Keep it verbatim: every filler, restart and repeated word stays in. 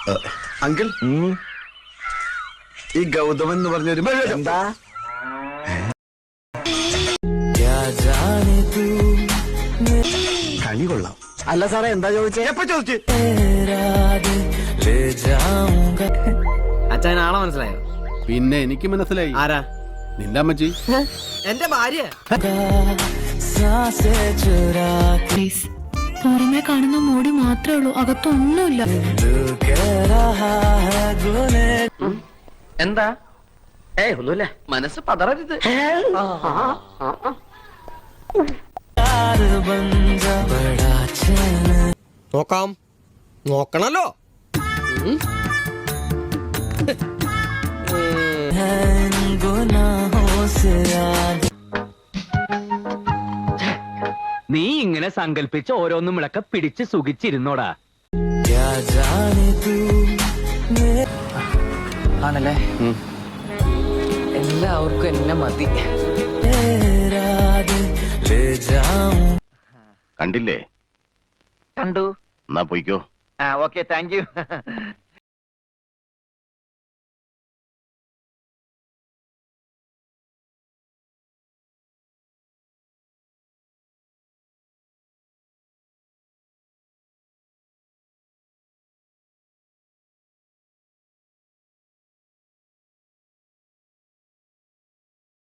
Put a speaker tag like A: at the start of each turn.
A: Uncle ഈ ഗൗതമൻ എന്ന് പറഞ്ഞൊരു എന്താ കളി കൊള്ളാം.
B: അല്ല സാറേ എന്താ ചോദിച്ചേ?
A: എപ്പ ചോദിച്ചു?
B: അച്ഛൻ ആളെ മനസ്സിലായോ?
C: പിന്നെ എനിക്ക് മനസ്സിലായി.
B: ആരാ?
C: നിന്റെ അമ്മച്ചി.
B: എന്റെ ഭാര്യ.
D: പുറമെ കാണുന്ന മൂടി മാത്രമേ ഉള്ളൂ, അകത്തൊന്നുമില്ല.
B: എന്താ? ഏയ് ഒന്നുമില്ല, മനസ്സ് പതറരുത്.
E: നോക്കാം, നോക്കണല്ലോ.
F: നീ ഇങ്ങനെ സങ്കല്പിച്ച് ഓരോന്നും വിളക്ക പിടിച്ച് സുഖിച്ചിരുന്നോടാ.
B: ആണല്ലേ? എല്ലാവർക്കും എന്നെ മതി.
G: കണ്ടില്ലേ?
F: കണ്ടു.
G: എന്നാ പോയിക്കോ.
F: ആ ഓക്കെ, താങ്ക് യു.